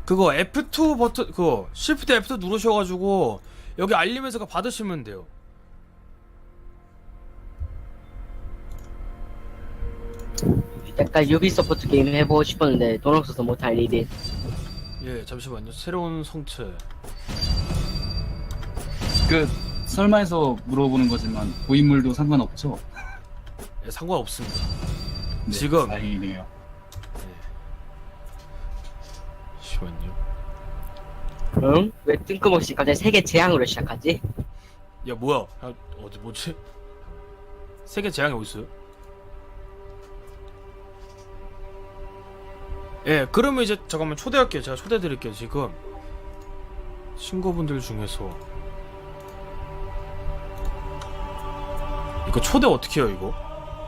그거 F2 버튼 그거 Shift F2 누르셔가지고 여기 알림에서 받으시면 돼요. 약간 유비소프트 게임 해보고 싶었는데 돈 없어서 못할 일이. 예, 잠시만요. 새로운 성체. 그 설마해서 물어보는 거지만 고인물도 상관없죠? 예, 상관없습니다. 네, 지금 다행이네요. 잠시만요. 응? 왜 뜬금없이 갑자기 세계 재앙으로 시작하지? 야 뭐야? 야, 어디 뭐지? 세계 재앙이 어디 있어요? 예, 그러면 이제 잠깐만 초대할게요. 제가 초대드릴게요. 지금 친구분들 중에서 이거 초대 어떻게 해요 이거?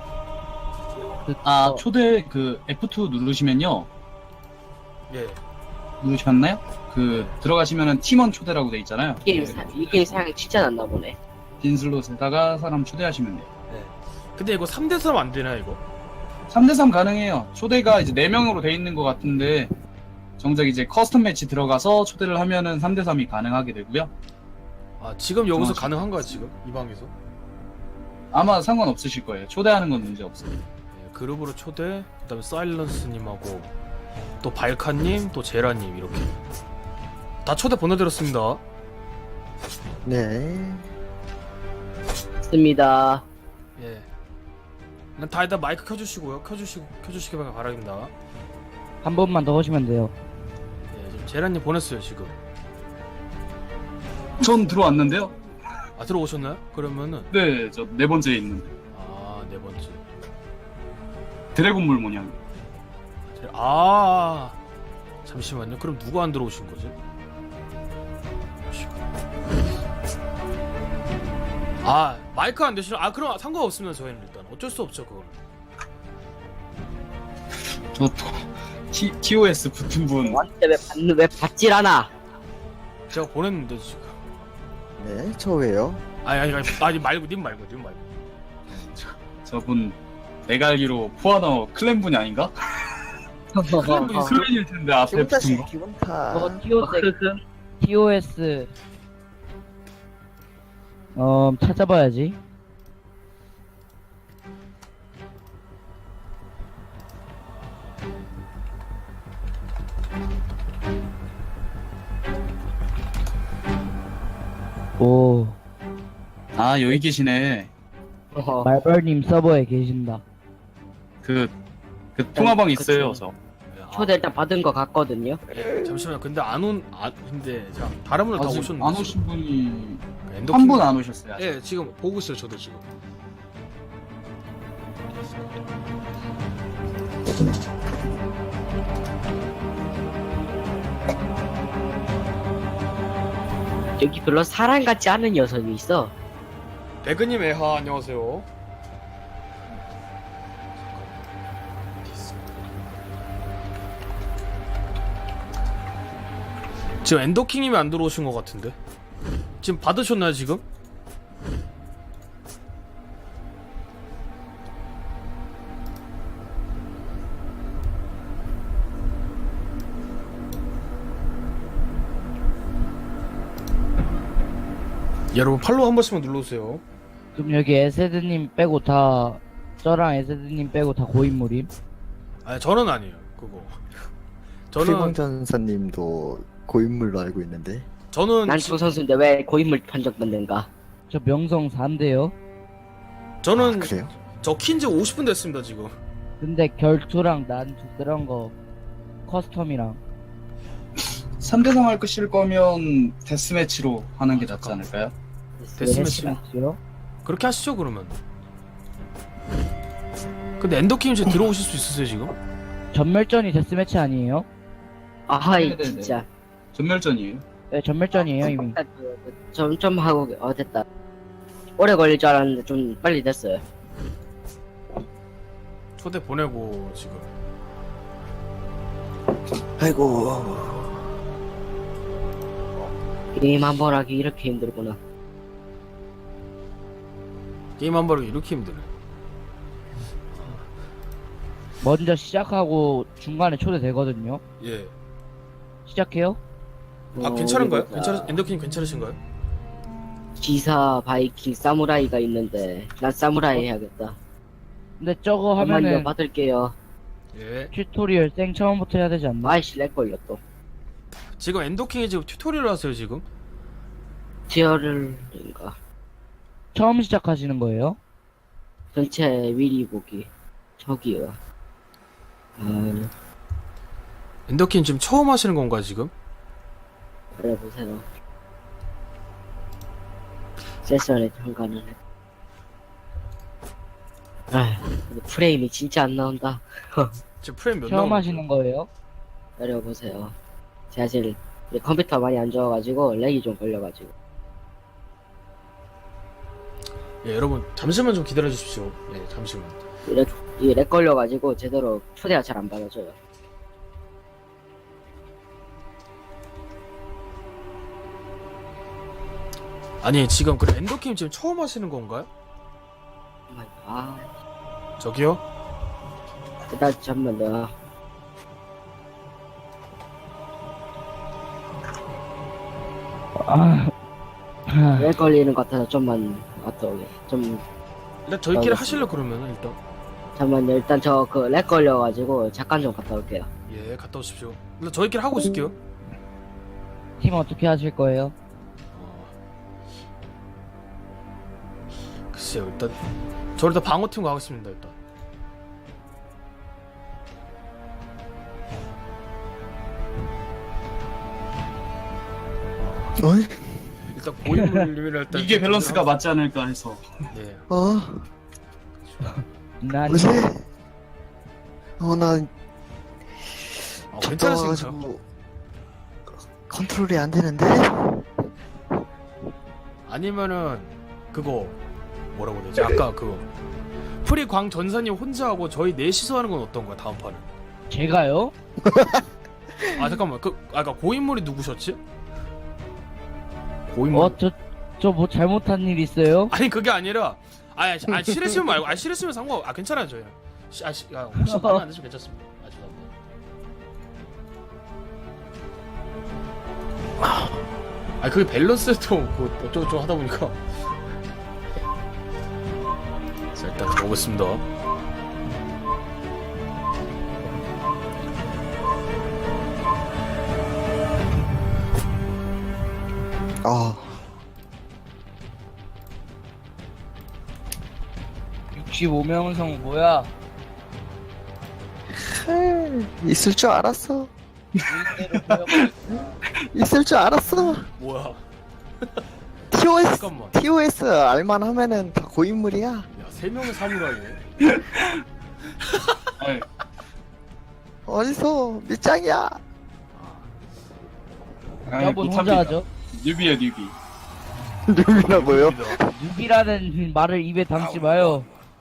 아 초대 그 F2 누르시면요. 예. 누르셨나요? 그 들어가시면은 팀원 초대라고 돼 있잖아요. 이 게임 사양이 진짜 났나 보네. 빈 슬롯에다가 사람 초대하시면 돼요. 예. 근데 이거 3대3 안 되나 이거? 3대3 가능해요. 초대가 이제 4명으로 돼 있는 것 같은데 정작 이제 커스텀 매치 들어가서 초대를 하면은 3대3이 가능하게 되고요. 아 지금 여기서 정확히. 가능한가요 지금 이 방에서? 아마 상관없으실 거예요. 초대하는 건 문제 없어요. 예, 그룹으로 초대. 그다음에 사일런스님하고 또 발카님, 또 제라님 이렇게 다 초대 보내드렸습니다. 네. 습니다. 예. 그냥 다 일단 마이크 켜주시고요. 켜주시기 바랍니다. 한 번만 더 오시면 돼요. 예, 지금 제라님 보냈어요 지금. 전 들어왔는데요. 아 들어오셨나요? 그러면은 네, 저 4번째에 있는데 아 4번째. 드래곤물 모양. 아 잠시만요. 그럼 누가 안 들어오신 거지? 아 마이크 안 되시나? 아 그럼 상관없습니다. 저희는 일단 어쩔 수 없죠 그거는. 저 TOS 붙은 분. 완전 왜 받질 않아? 제가 보냈는데 지금. 네, 저 왜요? 아니 말고 님 말고. 저분 내가 알기로 포아너 클랜 분이 아닌가? 클랜 분이 클랜일 텐데 앞에 기분 붙은 탓이 거. 기분 탓. 저거 TOS 찾아봐야지. 오, 아 여기 계시네. 어허. 말벌님 서버에 계신다. 그 통화방 그쵸. 있어요. 저. 초대 일단 받은 거 같거든요. 예, 잠시만요. 근데 근데 자 다른 분들 다 아직 오셨는데. 안 오신 분이 엔더킹- 한 분 안 오셨어요. 아직. 예, 지금 보고 있어요. 저도 지금. 여기 별로 사람 같지 않은 녀석이 있어. 배그님 애하 안녕하세요. 지금 엔더킹님이 안 들어오신 것 같은데. 지금 받으셨나요 지금? 여러분 팔로우 한 번씩만 눌러주세요. 그럼 여기 에세드님 빼고 다 저랑 에세드님 빼고 다 고인물임? 아 저는 아니에요 그거. 저는 피방전사님도 고인물로 알고 있는데. 난 조 선수인데 왜 고인물 판정받는가? 저 명성 4인데요. 저는 아, 그래요? 저 킨지 50분 됐습니다 지금. 근데 결투랑 난투 그런 거 커스텀이랑 3대3 할 것일 거면 데스매치로 하는 게 낫지 잠깐만. 않을까요? 데스매치. 했어요? 그렇게 하시죠 그러면. 근데 엔더킹 이제 들어오실 수 있으세요 지금? 전멸전이 데스매치 아니에요? 아하이 네네네. 진짜. 전멸전이에요. 네, 전멸전이에요 이미. 좀 하고 됐다. 오래 걸릴 줄 알았는데 좀 빨리 됐어요. 초대 보내고 지금. 아이고. 게임 한 번 하기 이렇게 힘들구나. 게임 한 번을 이렇게 힘드네. 먼저 시작하고 중간에 초대되거든요. 예. 시작해요? 아 괜찮은가요? 우리 괜찮으 엔더킹 괜찮으신가요? 기사, 바이킹, 사무라이가 있는데 난 사무라이 해야겠다. 근데 저거 잠깐만요, 하면은 받을게요. 예. 튜토리얼 생 처음부터 해야 되지 않나? 아이씨 렉 걸려 또. 지금 엔더킹이 지금 튜토리얼 하세요 지금? 티어를인가 처음 시작하시는 거예요? 전체 미리 보기. 저기요. 아, 엔더킹 지금 처음 하시는 건가 지금? 그래 보세요. 세션에 참가는 해. 아, 근데 프레임이 진짜 안 나온다. 지금 프레임 몇 처음 나오는 하시는 거예요? 내려보세요. 제가 사실 이제 컴퓨터 많이 안 좋아가지고 렉이 좀 걸려가지고. 예, 여러분 잠시만 좀 기다려 주십시오. 예, 잠시만. 이게 렉 걸려가지고 제대로 초대가 잘 안 받아줘요. 아니 지금 그 엔더킹 지금 처음 하시는 건가요? 아, 저기요? 일단 잠깐만요. 렉 걸리는 것 같아서 좀만 어떠게 좀 일단 저희끼리 알겠습니다. 하실래 그러면 일단. 잠깐만요. 일단 저 그 렉 걸려가지고 잠깐 좀 갔다 올게요. 예, 갔다 오십시오. 일단 저희끼리 하고 있을게요. 팀 어떻게 하실 거예요? 글쎄요, 일단 저 일단 방어팀 가겠습니다 일단. 어이? 일단 고인물님이라 일단 이게 밸런스가 맞지 않을까 해서. 예. 난 뭐지? 나 괜찮으신가요? 와가지고 컨트롤이 안 되는데? 아니면은 그거 뭐라고 해야 되지? 아까 그 프리 광 전사님 혼자 하고 저희 넷이서 하는 건 어떤 거야 다음 판은? 제가요? 아 잠깐만 그 아까 고인물이 누구셨지? 고인물? 저 뭐 잘못한 일 있어요? 아니 그게 아니라 싫으시면 말고 싫으시면 상관 괜찮아요 저희는 혹시 마음에 안 드시면 괜찮습니다. 죄송합니다. 그게 밸런스도 그 어쩌고저쩌고 하다 보니까 자 일단 가보겠습니다. 아 65명성 뭐야? 있을 줄 알았어. 일대로 보여버리고. 있을 줄 알았어. 뭐야 TOS 잠깐만 TOS 알만 하면은 다 고인물이야. 야 3명의 사무라이네. 아이, 어디서 밑장이야? 저분 혼자 못합니다. 하죠? 뉴비야 뉴비. 누구라고요? 뉴비라는 말을 입에 담지 마요.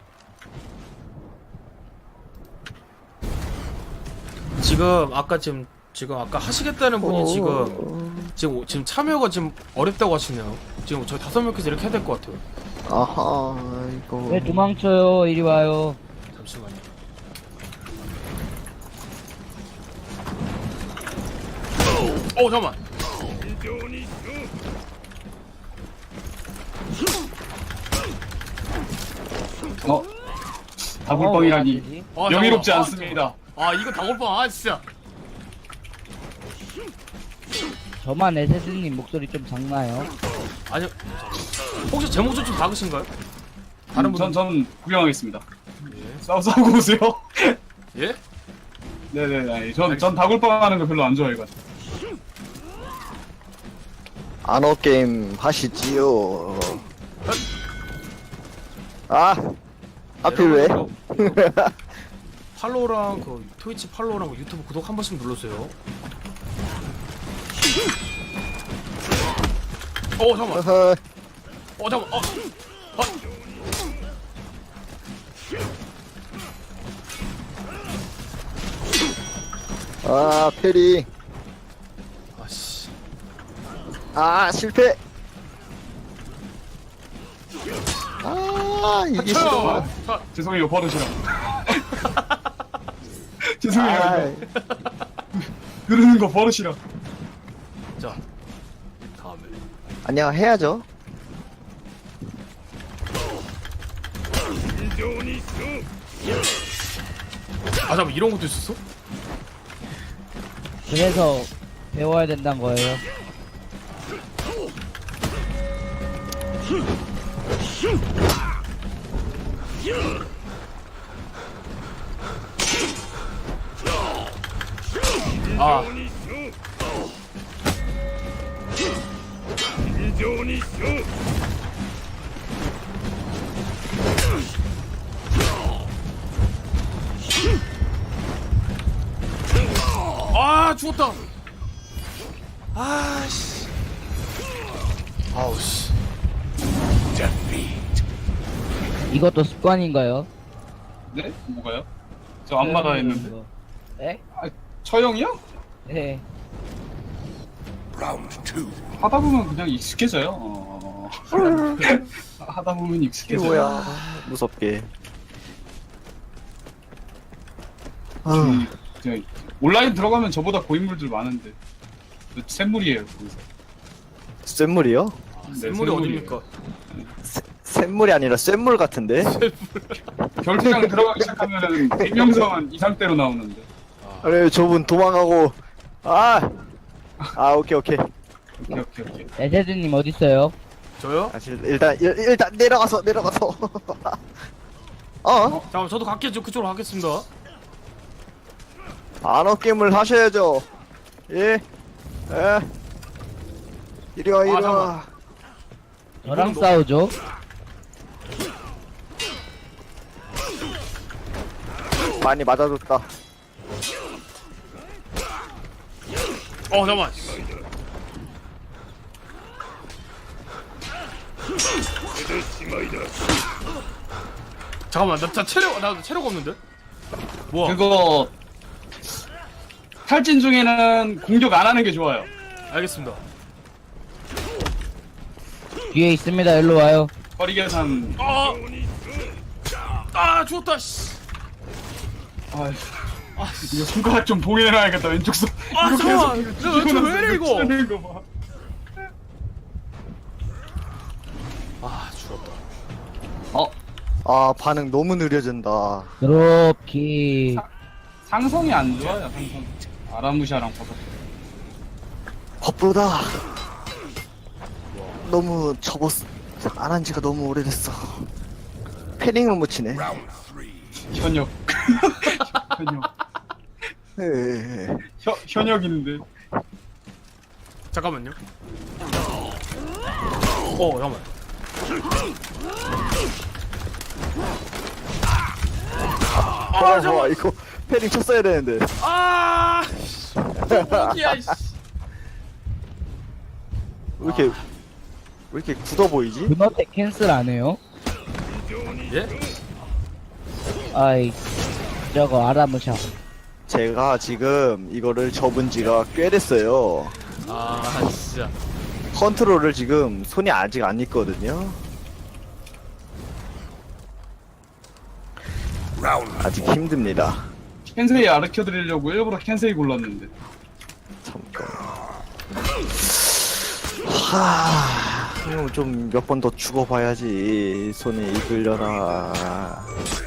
지금 아까 하시겠다는 분이 지금 참여가 지금 어렵다고 하시네요. 지금 저희 5명께서 이렇게 해야 될 것 같아요. 아하 이거 왜 도망쳐요? 이리 와요. 잠시만요. 잠깐만. 다불뻥이라니 명예롭지 잠깐만. 않습니다. 이거 다골빵 진짜. 저만 에세드님 목소리 좀 작나요? 아니요. 혹시 제 목소리 좀 작으신가요? 다른 분들 전 구경하겠습니다. 예. 싸우고 오세요. 예? 네네. 아니, 전 다굴빵 하는 거 별로 안 좋아해가지고. 안어 게임 하시지요. 하필 왜? 팔로우랑 그 트위치 팔로우랑 그 유튜브 구독 한 번씩 눌러주세요. 잠깐만. 어허, 잠깐만. 페리. 아씨. 실패. 이게 싫어. 죄송해요 버릇이라. 죄송해요. 아, 그러는 거 버릇이라. 자, 다음에. 안녕 해야죠. 아, 잠깐 이런 것도 있었어? 그래서 배워야 된다는 거예요. 아, 아, 죽었다. 아씨. 아우씨. 이것도 습관인가요? 네? 뭐가요? 저 안마다 했는데. 네? 처형이요? 네. 하다 보면 그냥 익숙해져요. 하다 보면 익숙해져요. 이거야 무섭게. 아, 그냥 온라인 들어가면 저보다 고인물들 많은데 저 샘물이에요. 거기서. 쇳물이요? 네, 샘물이 어딥니까? 쇳물이 아니라 쇳물 같은데? 결투장 들어가기 시작하면은 비명성은 이상대로 나오는데. 아니 저분 도망가고 오케이 오케이. 에세드님 어딨어요? 저요? 일단 내려가서 잠깐만, 저도 갈게요. 저 그쪽으로 가겠습니다. 안어 게임을 하셔야죠. 예. 이리 와. 잠깐만. 저랑 이분은 싸우죠? 많이 맞아줬다. 잠깐만. 잠깐만, 나 체력 없는데? 뭐야? 그거 탈진 중에는 공격 안 하는 게 좋아요. 알겠습니다. 뒤에 있습니다. 일로 와요. 거리 계산. 죽었다, 씨. 아, 이거 손가락 좀 봉인해놔야겠다. 왼쪽 손. 이렇게 잠깐만. 해서 저 왜 이래, 이거? 치는 거 봐. 죽었다. 반응 너무 느려진다. 드롭킥. 상성이 안 좋아요. 상성. 아라무샤랑 버섯. 바쁘다. 너무 안 한 지가 너무 오래됐어. 패닝을 못 치네. 현역. 현역. 예. 현역인데. 잠깐만요. 잠깐만. 잠깐만. 이거 패닝 쳤어야 되는데. 야, 씨. 왜 이렇게 굳어 보이지? 그너텍 캔슬 안 해요? 예? 아이, 저거 아라무샤. 제가 지금 이거를 접은 지가 꽤 됐어요. 진짜. 컨트롤을 지금 손이 아직 안 있거든요. 아직 힘듭니다. 켄세이 아르켜드리려고 일부러 켄세이 골랐는데. 잠깐. 좀 몇 번 더 죽어봐야지 손에 이끌려나.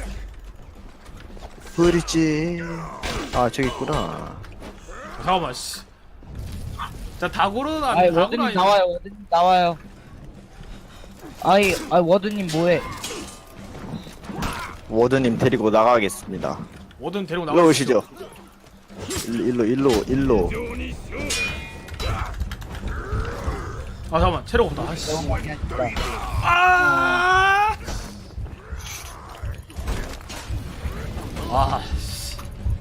어딨지? 저기 있구나. 잠깐만, 씨. 자, 다고는 아이, 다고는 워드님 아니지. 나와요. 워드님 나와요. 아이, 워드님 뭐해? 워드님 데리고 나가겠습니다. 뭐든 데리고 일로 나가시죠. 오시죠. 일로. 잠깐만, 체력 없다. 씨. 너무 많이 하신다. 씨.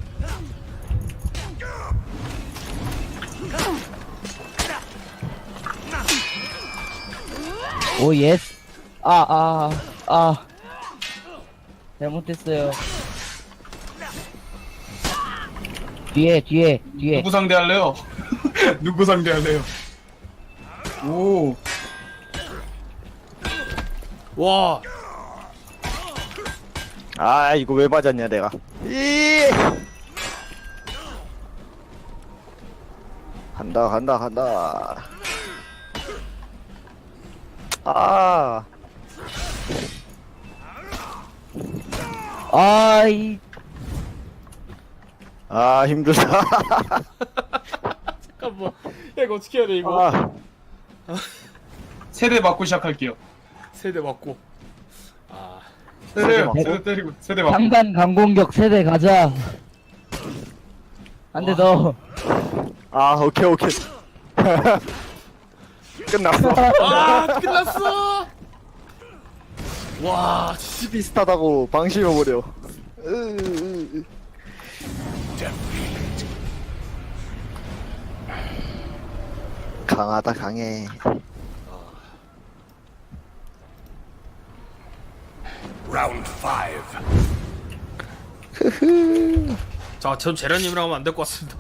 오, 예스. 잘못했어요. 뒤에. 누구 상대할래요? 누구 상대할래요? 오. 와. 이거 왜 맞았냐 내가. 간다 간다 간다. 아 아이 아 힘들다. 잠깐만. 야 이거 어떻게 해야 돼 이거? 아, 세대 맞고 시작할게요. 세대 맞고. 아 세대 맞고? 세대 때리고 세대 맞고. 상단 강공격 세대 가자. 안돼 너. 아 오케이 오케이. 끝났어. 아 끝났어. 와 진짜 비슷하다고 방심해버려. 강하다 강해. 자, 전 제라님이랑 하면 안 될 것 같습니다.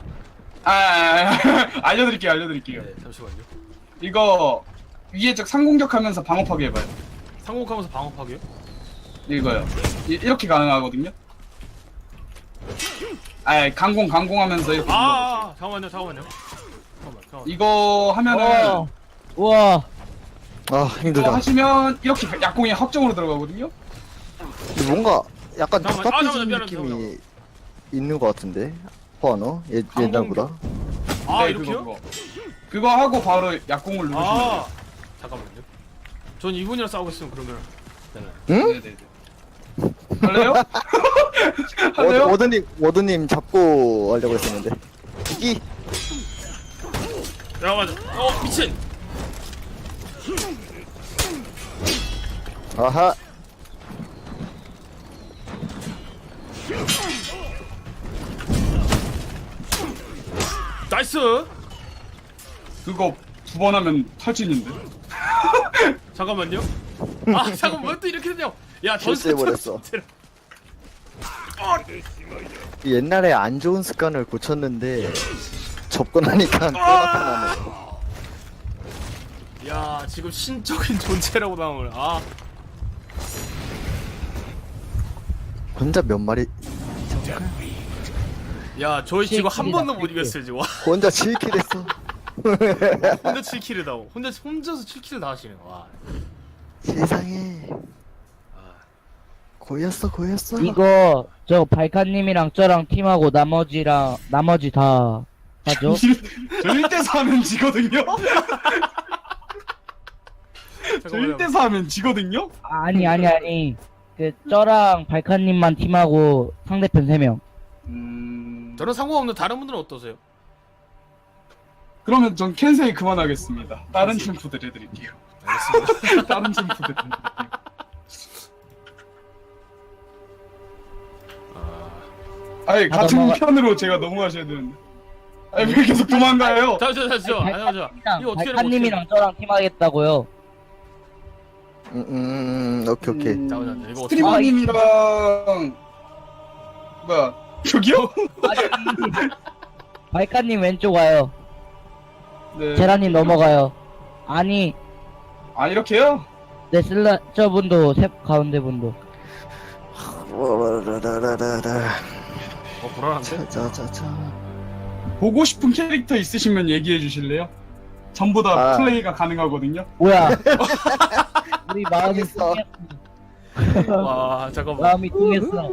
알려드릴게요. 네, 잠시만요. 이거 위에 적 상공격하면서 방어 파괴해봐요. 상공하면서 방어 파괴요? 이거요. 이렇게 가능하거든요. 강공하면서 이렇게. 눌러보세요. 잠깐만요. 이거 하면은 우와. 아 이거 힘들다. 하시면 이렇게 약공이 확정으로 들어가거든요. 뭔가 약간 잠깐만, 답답해지는 미안해, 느낌이 있는 것 같은데. 포아노 옛날보다. 아 네, 이렇게요? 그거 하고 바로 약공을 누르시면 아 잠깐만요. 전 이분이랑 싸우고 있으면 그러면 되나요? 응? 돼요. 네네네. 할래요? 할래요? 워드님 잡고 하려고 했었는데. 이 야 맞아. 미친. 아하. 나이스. 그거 두 번 하면 탈진인데. 잠깐만요. 아 잠깐만 왜 또 이렇게 되냐? 야 실수해버렸어. 옛날에 안 좋은 습관을 고쳤는데 접근하니까 또 나타나네. 야 지금 신적인 존재라고 나오는. 아 혼자 몇 마리 야 저희 지금 한 번도 못 7킬이다, 이겼어요 지금. 와, 혼자 7킬 했어. 혼자 7킬을 다 혼자서 7킬을 다 하시네. 와. 세상에 고였어. 이거 저 발칸님이랑 저랑 팀하고 나머지 다 하죠. 저 1대4 하면 지거든요? 저 잠깐만요. 1대4 하면 지거든요? 아니. 그 저랑 발칸님만 팀하고 상대편 3명. 저는 상관없는 다른 분들은 어떠세요? 그러면 전 캔세이 그만하겠습니다. 다른 챔프들 해드릴게요. 알겠습니다. 다른 챔프들 해드릴게요. 아니 같은 넘어가- 편으로 제가 넘어가셔야 되는데. 아니 왜 계속 도망가요? 잠시만. 이거 어떻게 발칸님이랑 저랑 팀하겠다고요. 오케이. 잠깐만요. 이거 어떻게? 스트리머님이랑 뭐야 저기요? 발칸님 왼쪽 와요. 네. 제라님 넘어가요. 아니, 아 이렇게요? 네 저분도 가운데 분도. 불안한데? 자자자. 보고 싶은 캐릭터 있으시면 얘기해 주실래요? 전부 다 아. 플레이가 가능하거든요. 뭐야? 우리 마음이 알겠어. 통했어. 와 잠깐만. 마음이 통했어.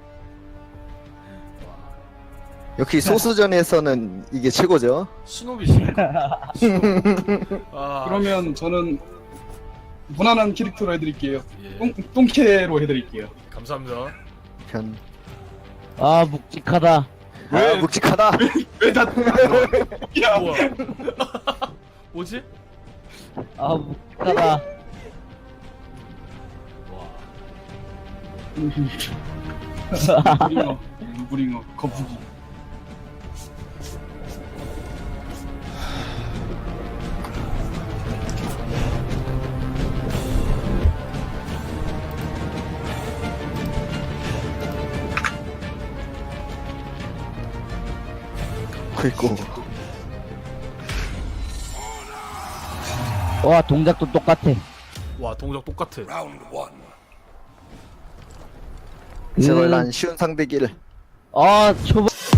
역시 소수전에서는 이게 최고죠. 신호비시니까. 아 그러면 저는 무난한 캐릭터로 해드릴게요. 예. 똥캐로 해드릴게요. 감사합니다. 편. 아 묵직하다. 왜? 아 묵직하다. 왜 다? 야, 우와. 뭐지? 아 묵직하다. 와. 무링어, 거북이. 그리고 와 동작도 똑같아. 와 동작 똑같아. 제발 난 쉬운 상대기를. 아 초반